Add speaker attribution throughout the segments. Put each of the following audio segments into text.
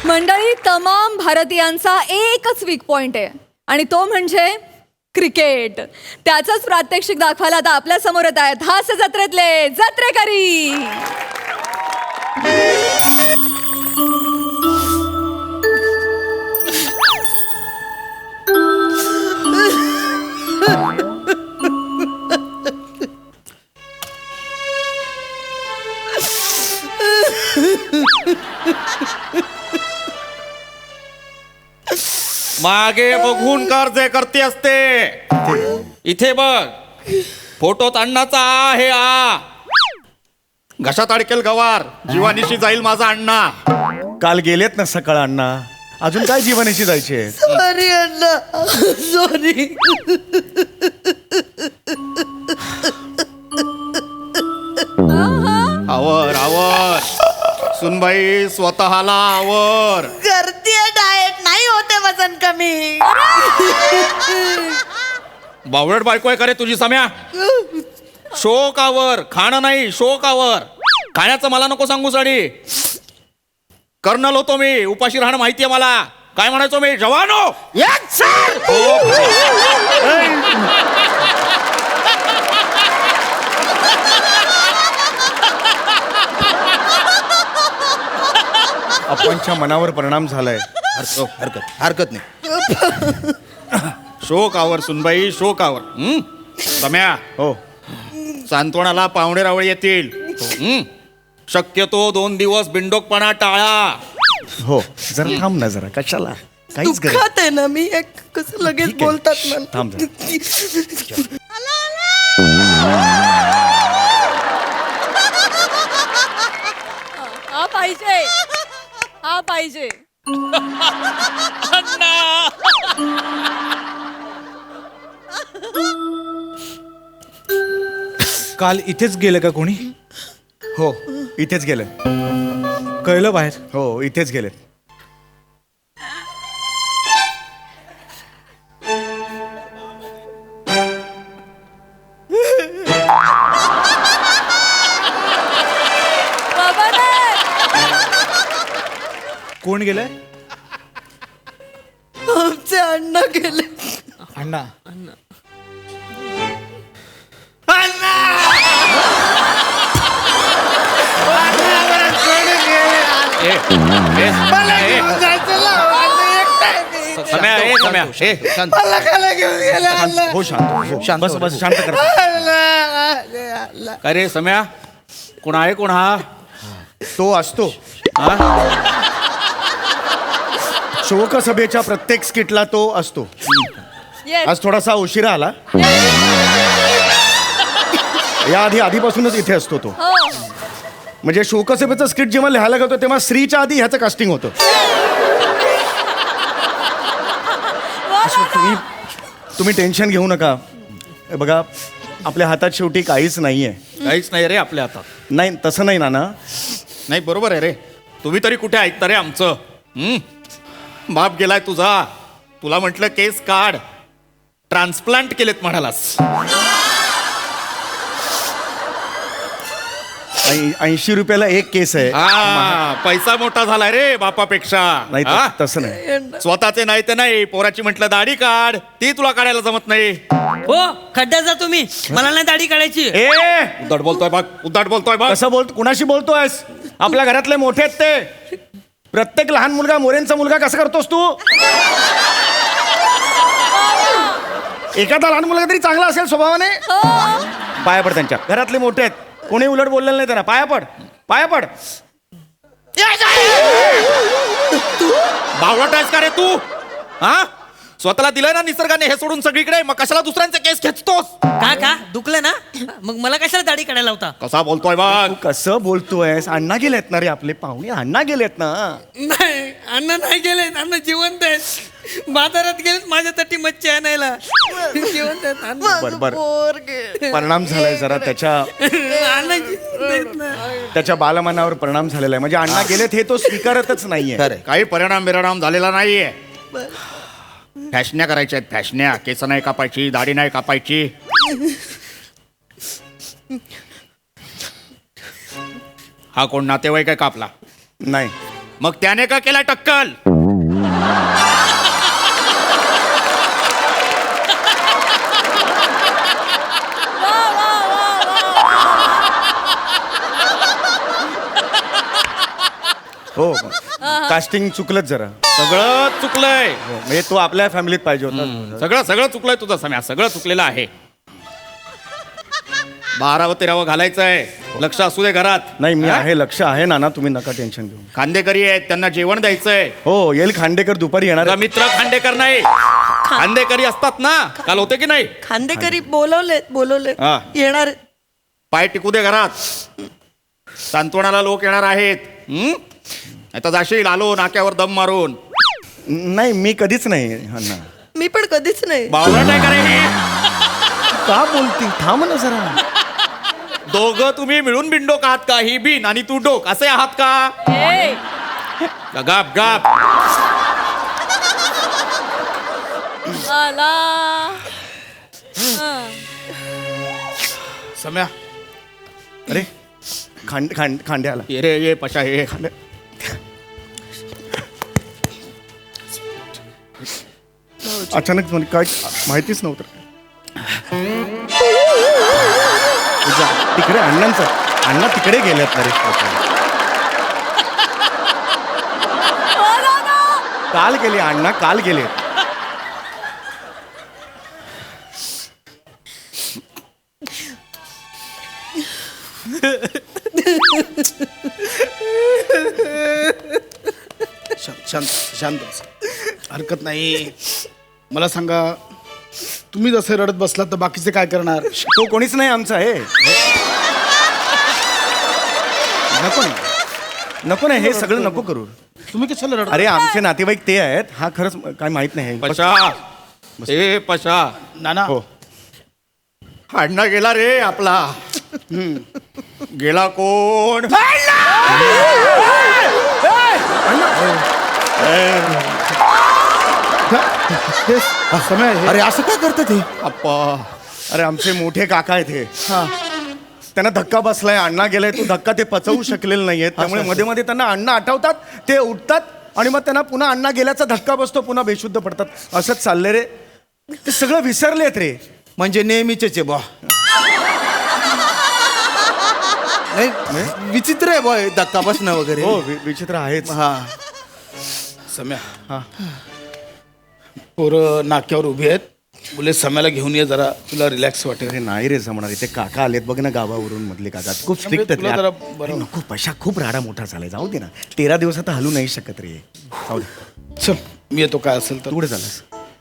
Speaker 1: मंडळी, तमाम भारतीयांचा एकच वीक पॉइंट आहे आणि तो म्हणजे क्रिकेट. त्याचंच प्रात्यक्षिक दाखवायला आता आपल्या समोर येत आहेत हास्य जत्रेतले जत्रेकरी.
Speaker 2: मागे बघून कर जे करते असते. इथे बघ, फोटोत अण्णाचा आ आहे आ. घशात अडकेल गवार, जीवानीशी जाईल माझा अण्णा.
Speaker 3: काल गेलेत ना सकाळ अण्णा, अजून काय जीवनाशी जायचे.
Speaker 4: सॉरी अण्णा, सॉरी.
Speaker 2: आवर आवर सुनबाई, स्वतःला आवर.
Speaker 4: करतीये डाएट, नाही होते वजन कमी.
Speaker 2: बावळट बायको आहे का रे तुझी सम्या? शोक आवर, खाणं नाही शोक आवर. खाण्याचं मला नको सांगू साडी. कर्नल होतो मी, उपाशी राहणं माहितीये मला. काय म्हणायचो मी? जवानो.
Speaker 4: Yes, sir.
Speaker 3: आपणच्या मनावर परिणाम झालाय.
Speaker 2: हरकत नाही. शोक आवर सुनबाई, शोक आवर. सम्या,
Speaker 3: हो,
Speaker 2: सांत्वनाला पाहुणे रावळे येतील. शक्यतो 2 दिवस बिंडोकपणा टाळा.
Speaker 3: हो, जरा थांब ना जरा. कशाला? काहीच गरज.
Speaker 4: दुःखात आहे ना मी. कसं लगेच
Speaker 3: ठीक आहे.
Speaker 4: बोलतात
Speaker 3: थांब
Speaker 4: ना.
Speaker 1: हा पाहिजे, हा पाहिजे.
Speaker 5: काल इथेच गेलं का कोणी?
Speaker 3: हो, इथेच गेले.
Speaker 5: कळलं बाहेर?
Speaker 3: हो, इथेच गेले.
Speaker 1: बाबा रे!
Speaker 5: कोण गेलंय?
Speaker 4: आमचे अण्णा गेले.
Speaker 5: अण्णा.
Speaker 4: मला खायला घेऊन गेले अण्णा.
Speaker 3: हो, शांत हो. बस बस, शांत कर.
Speaker 2: काय रे सम्या, कोण आहे कोण हा?
Speaker 3: तो असतो शोकसभेच्या प्रत्येक स्किटला. तो असतो.
Speaker 1: Yes.
Speaker 3: आज थोडासा उशिरा आला. या आधीपासूनच इथे असतो तो.
Speaker 1: हो.
Speaker 3: म्हणजे शोकसभेचं स्क्रिप्ट जेव्हा लिहायला गेलो तेव्हा स्त्रीच्या आधी ह्याचं कास्टिंग होतं. तुम्ही टेन्शन घेऊ नका. हे बघा, आपल्या हातात शेवटी काहीच नाहीये.
Speaker 2: काहीच नाही रे आपल्या हातात.
Speaker 3: नाही, तसं नाही नाना.
Speaker 2: नाही, बरोबर आहे रे. तुम्ही तरी कुठे ऐकता रे आमचं? बाप गेलाय तुझा. तुला म्हटलं केस काढ, ट्रान्सप्लांट केलेत म्हणालास.
Speaker 3: 80 रुपयाला एक केस आहे.
Speaker 2: पैसा मोठा झालाय रे बापापेक्षा.
Speaker 3: नाही,
Speaker 2: हा?
Speaker 3: तसं नाही.
Speaker 2: स्वतःचे नाही ते नाही, पोराची म्हटलं दाढी काढ, ती तुला काढायला जमत नाही.
Speaker 6: हो, खड्ड्यात जा तुम्ही. मला नाही दाढी काढायची.
Speaker 3: ए,
Speaker 2: उद्धट बोलतोय बघ, उद्धट बोलतोय बघ.
Speaker 3: कसं कुणाशी बोलतोयस? आपल्या घरातले मोठे आहेत ते. प्रत्येक लहान मुलगा मोरेंचा मुलगा कसं करतोस तू? एखादा लहान मुलगा तरी चांगला असेल स्वभावाने. पाया पड त्यांच्या. घरातले मोठे आहेत, कोणी उलट बोललेलं नाही त्यांना. पाया पड, पाया पड.
Speaker 2: बावळट आहेस का रे तू? हा, स्वतःला दिलंय ना निसर्गाने हे सोडून सगळीकडे, मग कशाला दुसऱ्यांचे केस खेचतोस?
Speaker 6: का दुखलं ना? मग मला कशाला दाढी काढायला होता?
Speaker 2: कसा बोलतोय बघ.
Speaker 3: तू कसं बोलतोयस? अण्णा गेलेत ना रे, आपले पाहुणे अण्णा गेलेत ना.
Speaker 6: नाही, अण्णा नाही गेले. अण्णा जिवंत आहेत. बाजारात गेलेत माझ्यासाठी मच्छी आणायला. जिवंत आहेत अण्णा.
Speaker 3: बर बर,
Speaker 4: पोरगे.
Speaker 3: परिणाम झालाय जरा त्याच्या
Speaker 6: अण्णा जिवंत आहेत ना.
Speaker 3: त्याच्या बालमनावर परिणाम झालेला आहे. म्हणजे अण्णा गेलेत हे तो स्वीकारतच नाहीये.
Speaker 2: काही परिणाम झालेला नाहीये. फॅशन्या करायच्या आहेत, फॅशन्या. केस नाही कापायची, दाढी नाही कापायची. हा कोण नातेवाईक आहे का आपला?
Speaker 3: नाही.
Speaker 2: मग त्याने का केला टक्कल?
Speaker 3: हो कास्टिंग चुकलंच जरा
Speaker 2: सगळं चुकलंय.
Speaker 3: म्हणजे तो आपल्या फॅमिलीत पाहिजे होता.
Speaker 2: सगळं चुकलंय तुझं सम्या, सगळं चुकलेलं आहे. 12व 13व घालायचंय, लक्ष असू दे घरात.
Speaker 3: नाही मी
Speaker 2: हा?
Speaker 3: आहे, लक्ष आहे नाना, तुम्ही नका टेन्शन घेऊ.
Speaker 2: खांदेकरी आहेत, त्यांना जेवण द्यायचंय.
Speaker 3: हो येईल खांडेकर दुपारी येणार
Speaker 2: तुझा
Speaker 3: आहे.
Speaker 2: मित्र खांडेकर नाही, खांदेकरी असतात ना, काल होते की नाही?
Speaker 4: खांदेकरी बोलवले
Speaker 2: हा.
Speaker 4: येणार.
Speaker 2: पाय टिकू दे घरात, सांत्वनाला लोक येणार आहेत. आता जाशील आलो नाक्यावर दम मारून.
Speaker 3: नाही मी कधीच नाही अण्णा.
Speaker 4: मी पण कधीच नाही.
Speaker 2: बावळट नाही करे.
Speaker 3: का बोलती, थांब ना जरा.
Speaker 2: दोघं तुम्ही मिळून बिनडोक आहात का? ही बिन आणि तू डोक असे आहात का?
Speaker 1: ए,
Speaker 2: गाप गाप.
Speaker 1: आला. हं.
Speaker 5: सम्या
Speaker 3: अरे खांडे आला.
Speaker 2: ये रे ये पशा ये.
Speaker 3: अचानक म्हणजे काय माहितीच नव्हतं. तिकडे अण्णा तिकडे गेलेत. अरे काल गेले अण्णा, काल गेले.
Speaker 7: शांत शांत बस. हरकत नाही. मला सांगा, तुम्ही जसे रडत बसलात तर बाकीचे काय करणार?
Speaker 3: तो कोणीच नाही आमचा आहे. नको नाही हे सगळं नको करू.
Speaker 7: तुम्ही कशाला रडत?
Speaker 3: अरे आमचे नातेवाईक ते आहेत. हा खरंच काय माहित नाही.
Speaker 2: पशा ए पशा.
Speaker 7: नाना
Speaker 3: हो
Speaker 2: अण्णा गेला रे आपला. गेला कोण?
Speaker 7: समय
Speaker 3: अरे असं काय करतात हे?
Speaker 2: अप्पा.
Speaker 3: अरे आमचे मोठे काका आहेत हे. त्यांना धक्का बसलाय, अण्णा गेलाय. तो धक्का ते पचवू शकलेले नाहीयेत. त्यामुळे मध्ये मध्ये त्यांना अण्णा आठवतात, ते उठतात आणि मग त्यांना पुन्हा अण्णा गेल्याचा धक्का बसतो, पुन्हा बेशुद्ध पडतात. असंच चाललंय रे. ते सगळं विसरलेत रे.
Speaker 5: म्हणजे नेहमीचेच आहे बा. नाही विचित्र आहे बा धक्का बसणं वगैरे.
Speaker 3: हो विचित्र आहेच.
Speaker 5: हा
Speaker 7: सम्या
Speaker 3: हा.
Speaker 7: पोरं नाक्यावर उभी आहेत. मुले सम्याला घेऊन ये जरा, तुला रिलॅक्स वाटेल.
Speaker 3: अरे नाही रे जमणार. इथे काका आलेत बघ ना गावावरून, मधले काका खूप स्ट्रिक्ट
Speaker 7: तुला जरा
Speaker 3: आहेत.
Speaker 7: बरं.
Speaker 3: अरे नको, पैसा खूप राडा मोठा झालाय. जाऊ दे ना, 13 दिवस आता हलू नाही शकत रे. जाऊ दे.
Speaker 7: चल मी येतो. काय असेल तर.
Speaker 3: तू कुठे झालास?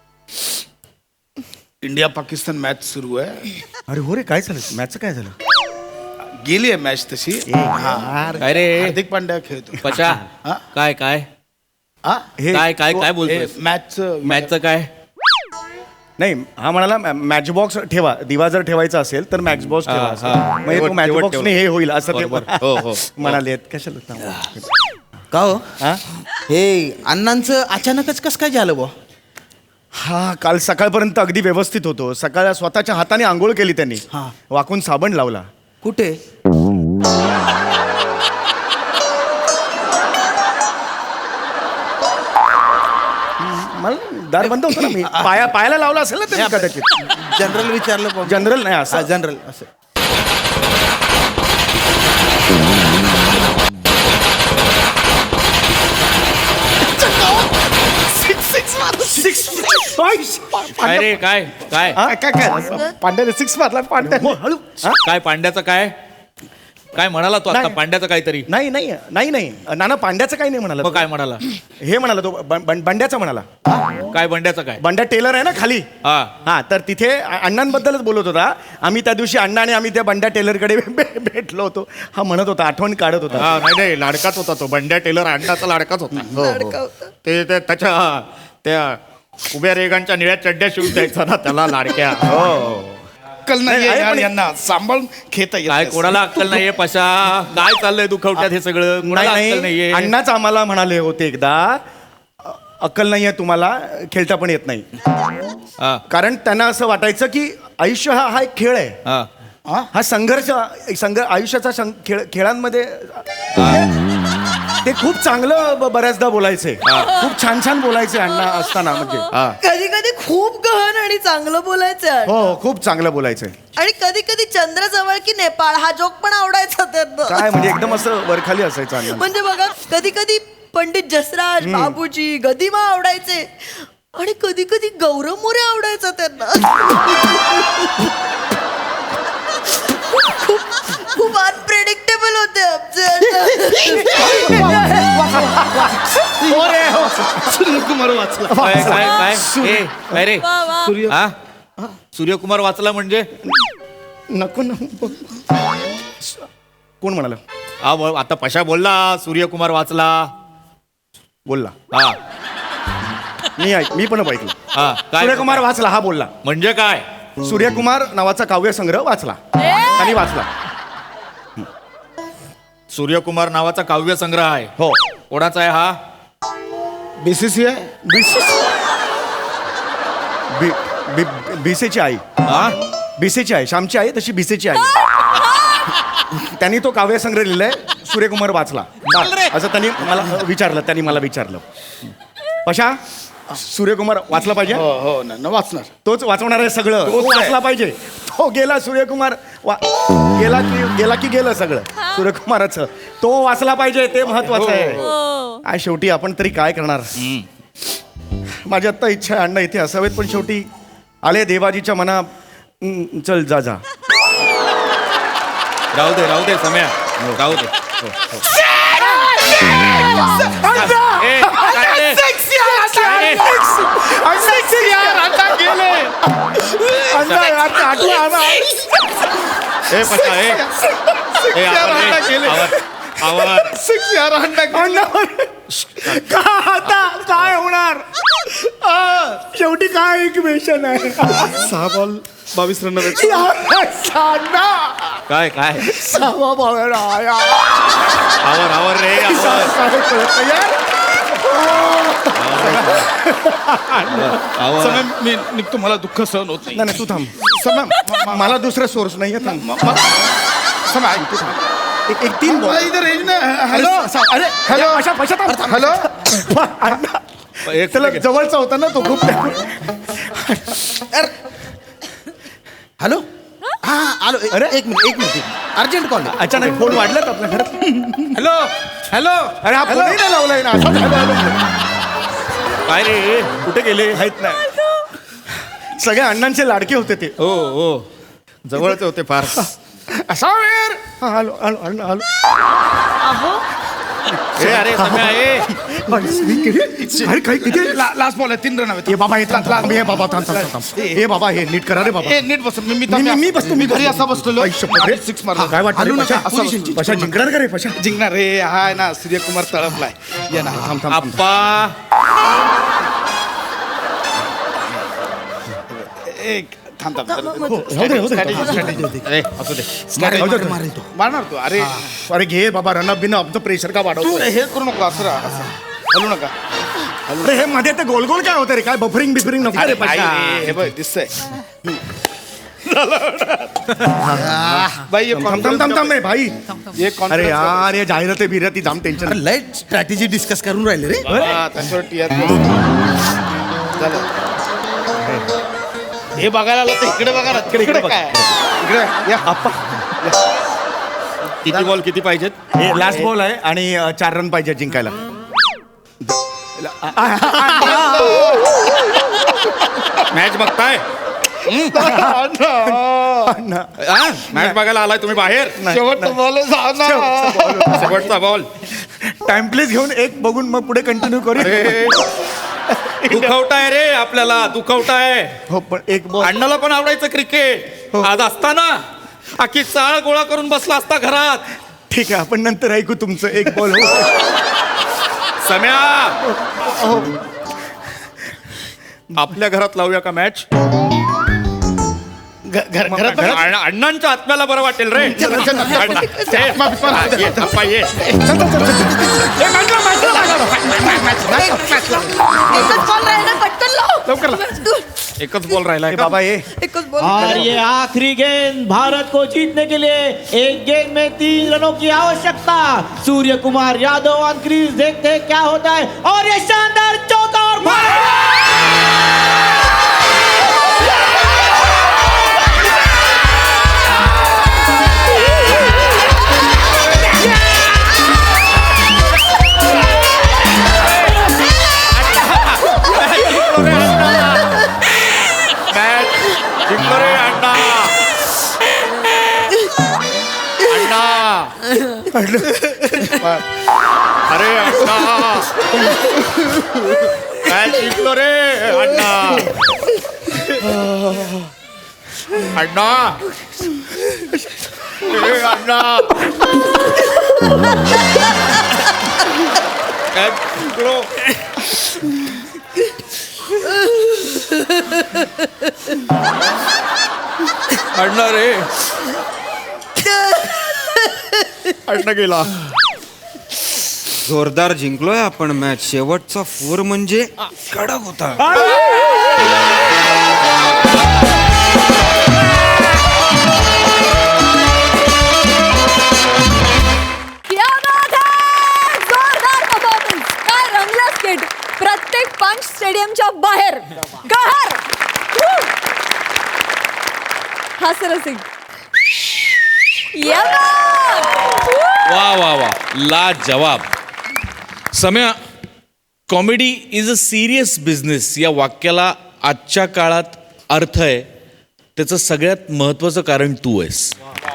Speaker 7: इंडिया पाकिस्तान मॅच सुरू आहे.
Speaker 3: अरे हो रे, काय झालं मॅचचं? काय झालं?
Speaker 7: गेली आहे मॅच तशी.
Speaker 3: यार.
Speaker 2: काय रे
Speaker 7: हार्दिक पांड्या खेळतो.
Speaker 2: पशा?
Speaker 7: हा?
Speaker 2: काय काय
Speaker 7: हा?
Speaker 3: हे
Speaker 2: काय काय काय बोलतोय?
Speaker 7: मॅचचं
Speaker 2: मॅचचं काय?
Speaker 3: नाही हा म्हणाला मॅच बॉक्स ठेवा. दिवा जर ठेवायचा असेल तर मॅच बॉक्स ठेवा असं. म्हणजे तो मॅच बॉक्सने हे होईल असं ते
Speaker 2: बरोबर. हो, हो.
Speaker 3: म्हणाले. कशाला थांबा.
Speaker 5: का हो
Speaker 3: हा?
Speaker 5: हे अण्णांचं अचानकच कसं काय झालं बा?
Speaker 3: हा काल सकाळपर्यंत अगदी व्यवस्थित होतो. सकाळ स्वतःच्या हाताने आंघोळ केली त्यांनी.
Speaker 5: हा.
Speaker 3: वाकून साबण लावला.
Speaker 5: कुठे?
Speaker 3: मला दार बंद होतं ना. मी पायाला लावला असेल ना त्यांनी कदाचित.
Speaker 5: जनरल विचारलं बा.
Speaker 3: जनरल नाही असं.
Speaker 5: जनरल असं.
Speaker 2: काय रे काय काय
Speaker 7: काय काय पांड्याने 6 मारला. पांड्या
Speaker 3: हळू.
Speaker 2: काय पांड्याचं काय? काय म्हणाला तो आता?
Speaker 3: नाही.
Speaker 2: पांड्याचं काहीतरी.
Speaker 3: नाही नाही नाही नाही नाना पांड्याचं काही नाही म्हणाला
Speaker 2: मग
Speaker 3: तो.
Speaker 2: काय म्हणाला?
Speaker 3: हे म्हणाला तो बंड्याचं म्हणाला.
Speaker 2: काय बंड्याचं काय?
Speaker 3: बंड्या टेलर आहे ना खाली.
Speaker 2: हा
Speaker 3: हा तर तिथे अण्णांबद्दलच बोलत होता. आम्ही त्या दिवशी अण्णा आणि आम्ही त्या बंड्या टेलरकडे भेटलो होतो. हा म्हणत होता, आठवण काढत होता.
Speaker 2: हा नाही नाही लाडकाच होता तो. बंड्या टेलर अण्णाचा लाडकाच होता.
Speaker 4: लाडका होता.
Speaker 2: ते त्याच्या त्या उभ्या रेगांच्या निळ्या चड्ड्या शिवून द्यायचा ना त्याला लाडक्या.
Speaker 7: अक्कल नाही
Speaker 3: नाही,
Speaker 7: आहे
Speaker 3: आहे
Speaker 7: यार
Speaker 3: पण-
Speaker 7: यांना. सांभाळून खेळता येत
Speaker 2: काय
Speaker 7: नाही.
Speaker 2: कोणाला अक्कल नाहीये पशा? काय चाललंय दुखवट्यात हे सगळं? कोणाला
Speaker 3: नाही
Speaker 2: अक्कल
Speaker 3: नाही
Speaker 2: नाहीये?
Speaker 3: अण्णाच आम्हाला म्हणाले होते एकदा, अक्कल नाहीये तुम्हाला, खेळता पण येत नाही.
Speaker 2: हा,
Speaker 3: कारण त्यांना असं वाटायचं की आयुष्य हा एक खेळ आहे.
Speaker 2: हा.
Speaker 3: हा संघर्ष आयुष्याचा खेळांमध्ये ते खूप चांगलं बऱ्याचदा बोलायचे खूप छान छान बोलायचे अण्णा असताना म्हणजे
Speaker 4: कधी कधी खूप गहन आणि चांगलं बोलायचं
Speaker 3: हो हो खूप चांगलं बोलायचे
Speaker 4: आणि कधी कधी चंद्र जवळ की नेपाळ हा जोक पण आवडायचा त्यांना
Speaker 3: काय म्हणजे एकदम असं वरखाली असायचं अण्णा
Speaker 4: म्हणजे बघा कधी कधी पंडित जसराज बाबूजी गदिमा आवडायचे आणि कधी कधी गौरव मोरे आवडायचा त्यांना खूप अनप्रेडिक्टेबल होते
Speaker 7: सूर्यकुमार वाचला
Speaker 2: काय काय काय ए, काय रे हा सूर्यकुमार वाचला म्हणजे
Speaker 3: नको नको कोण म्हणाल
Speaker 2: आता पशा बोलला सूर्यकुमार वाचला
Speaker 3: बोलला
Speaker 2: हा
Speaker 3: मी पण ऐकलं
Speaker 2: हा काय
Speaker 3: सूर्यकुमार वाचला हा बोलला
Speaker 2: म्हणजे काय
Speaker 3: सूर्यकुमार नावाचा काव्यसंग्रह वाचला त्यांनी वाचला
Speaker 2: सूर्यकुमार नावाचा काव्य संग्रह आहे
Speaker 3: हो
Speaker 2: कोणाचा आहे हा
Speaker 7: बीसीसीआय
Speaker 3: भिसेची आई
Speaker 2: हा
Speaker 3: भिसेची आई श्यामची आई तशी भिसेची आई त्यांनी तो काव्यसंग्रह लिहिलाय सूर्यकुमार वाचला असं त्यांनी मला विचारलं पशा सूर्यकुमार वाचला पाहिजे
Speaker 7: हो हो ना वाचणार
Speaker 3: तोच वाचवणार आहे सगळं तो वाचला पाहिजे तो गेला सूर्यकुमार गेला की गेलं सगळं सूर्यकुमाराचं तो वाचला पाहिजे ते महत्वाचं आहे काय शेवटी आपण तरी काय करणार माझी आत्ता इच्छा आहे अण्णा इथे असावेत पण शेवटी आले देवाजीच्या मना चल जा जा
Speaker 2: राहू दे सम्या राहू दे हो, हो. ए, काय रे? ए, पशा, ए. ए, आवर.
Speaker 3: काय होणार शेवटी काय इक्वेशन आहे
Speaker 7: 6 बॉल 22 रन
Speaker 2: काय काय
Speaker 3: सहा बॉल
Speaker 2: आवर रे आवर
Speaker 7: समय मी निघतो मला दुःख सहन होत नाही
Speaker 3: नाही तू थांब समय मला दुसरा सोर्स नाहीये थांब समय ऐक तू थांब एक 3 बॉल
Speaker 7: इधर रेंज नाही हॅलो
Speaker 3: अरे हॅलो अशा
Speaker 7: हॅलो
Speaker 2: एक
Speaker 3: त्याला
Speaker 2: second.
Speaker 3: जवळचा होता ना तो खूप
Speaker 5: हॅलो हा आलो
Speaker 3: अरे.
Speaker 5: एक मिनिट अर्जंट कॉल
Speaker 3: अचानक फोन वाढलात आपल्या घरात
Speaker 7: हॅलो हॅलो
Speaker 3: अरे हा फोनही नाही लावलाय ना असाच हॅलो
Speaker 2: काय रे कुठे गेले
Speaker 3: माहित नाही सगळ्या अण्णांचे लाडके होते ते
Speaker 2: हो हो जवळचे होते फार
Speaker 3: असा वेळ हॅलो हॅलो हॅलो हॅलो
Speaker 2: ए, अरे सम्या ए
Speaker 3: अरे काही किती
Speaker 7: लास्ट बॉल आहे 3 रन हवे
Speaker 3: हे बाबा हे बाबा थांब हे बाबा हे नीट करा रे बाबा
Speaker 7: ए नीट बस मी
Speaker 3: मी बसतो मी
Speaker 7: घरी असा बसलेलो
Speaker 3: आई शपथ रे.
Speaker 7: 6 मारला
Speaker 3: काय वाटतं
Speaker 7: हलू
Speaker 3: रे,
Speaker 7: नका
Speaker 3: पशा?
Speaker 7: असं
Speaker 3: पशा जिंकणार का रे पशा
Speaker 7: जिंकणार रे हा आहे ना सूर्यकुमार तळपलाय या ना
Speaker 3: थांब थांब
Speaker 2: आप्पा
Speaker 7: एक थांब थांब
Speaker 3: हो, राहू दे, राहू दे.
Speaker 2: ए, असू दे
Speaker 5: मारेल तो
Speaker 7: मारणार तू अरे
Speaker 3: अरे घे बाबा रनअप बिन आमचं प्रेशर का
Speaker 7: तू
Speaker 3: वाढवतो
Speaker 7: हे करू नको असं राहा असं. हलू नका
Speaker 3: अरे हे मध्ये ते गोल गोल काय होतं रे काय बफरिंग बिफरिंग नको रे
Speaker 7: अरे
Speaker 3: पशा
Speaker 7: हे बघ दिसतंय बाई ये
Speaker 3: थांब रे भाई
Speaker 7: ये
Speaker 3: अरे यार हे जाहिराती बिराती जाम टेन्शन
Speaker 5: लाईट स्ट्रॅटेजी डिस्कस करून राहिले रे
Speaker 7: त्याच्यावर TRP झालं हे बघायला आलं तर इकडे बघा ना
Speaker 3: इकडे बघ.
Speaker 7: काय इकडे या
Speaker 3: आप्पा
Speaker 2: किती बॉल किती पाहिजेत
Speaker 3: हे लास्ट बॉल आहे आणि 4 रन पाहिजे जिंकायला
Speaker 2: मॅच बघताय मॅच बघायला आलाय तुम्ही बाहेर
Speaker 7: शेवटचं बॉल
Speaker 2: शेवटचा बॉल
Speaker 3: टाइम प्लीज घेऊन एक बघून मग पुढे कंटिन्यू करू
Speaker 2: दुखवताय रे आपल्याला दुखवताय
Speaker 3: हो पण एक बॉल
Speaker 2: अण्णाला पण आवडायचं क्रिकेट आज असताना अख्खी चाळ गोळा करून बसला असता घरात
Speaker 3: ठीक आहे आपण नंतर ऐकू तुमचं एक बॉल
Speaker 2: सम्या आपल्या घरात लावूया का मॅच
Speaker 7: घरात
Speaker 2: अण्णांच्या आत्म्याला बरं वाटेल रे अण्णा, ये, ये, अप्पा, ये.
Speaker 4: एकच बॉल राहिला पटकन लाव
Speaker 3: लवकर
Speaker 4: तू
Speaker 2: एकच बॉल राहिला
Speaker 3: ए बाबा ये
Speaker 4: एकच बोल
Speaker 8: और ये आखिरी गेंद भारत को जीतने के लिए एक गेंद में 3 रनों की आवश्यकता। सूर्य कुमार यादव ऑन क्रीज, देखते हैं क्या होता है। और ये शानदार चौका और
Speaker 2: मॅच जिंकलो रे अण्णा. अण्णा अरे अण्णा मॅच जिंकलो रे अण्णा. अण्णा ए अण्णा मॅच जिंकलो. अण्णा रे अण्णा गेला.
Speaker 9: जोरदार जिंकलोय आपण मॅच. शेवटचा 4 म्हणजे कडक होता.
Speaker 1: क्या बात है! जोरदार परफॉर्मन्स. काय रंगला स्किट. प्रत्येक पंच स्टेडियमच्या बाहेर कहर. हास्यरसिक. या बात.
Speaker 10: वा वा वा, ला जवाब. Samya, comedy is a serious business या वाक्याला आजच्या काळात अर्थ आहे. त्याचं सगळ्यात महत्त्वाचं कारण तू आहेस.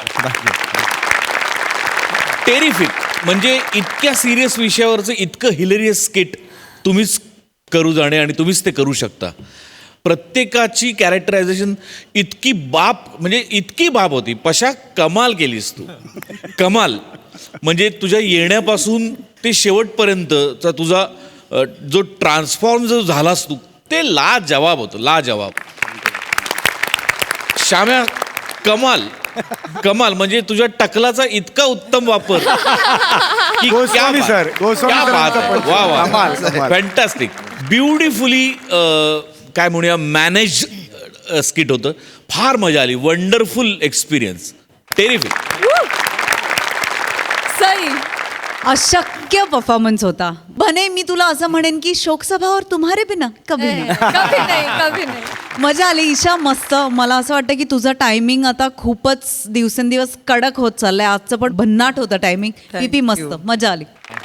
Speaker 10: टेरिफिक. म्हणजे इतक्या सिरियस विषयावरचं इतकं हिलेरियस स्किट तुम्हीच करू जाणे आणि तुम्हीच ते करू शकता. प्रत्येकाची कॅरेक्टरायझेशन इतकी बाप होती. पशा कमाल केलीस तू. कमाल. म्हणजे तुझ्या येण्यापासून ते शेवटपर्यंतचा तुझा जो ट्रान्सफॉर्म जो झालास तू, ते लाजवाब होतं. लाजवाब. श्याम्या, कमाल. कमाल. म्हणजे तुझ्या टकलाचा इतका उत्तम वापर की
Speaker 3: गोस्वामी सर, गोस्वामी सरांचा पण
Speaker 10: वा वा,
Speaker 3: कमाल, कमाल.
Speaker 10: फॅन्टॅस्टिक. ब्युटिफुली काय म्हणूया मॅनेज स्किट होतं. फार मजा आली. Wonderful experience. टेरिफिक.
Speaker 1: सई.
Speaker 11: अशक्य परफॉर्मन्स होता. बने, मी तुला असं म्हणेन की शोकसभा और तुम्हारे बिना कभी नाही.
Speaker 1: कभी नाही, कभी नाही.
Speaker 11: मजा आली. ईशा मस्त. मला असं वाटतं की तुझं टायमिंग आता खूपच दिवसेंदिवस कडक होत चाललंय. आजचं पण भन्नाट होतं टायमिंग. पीपी मस्त. मजा आली.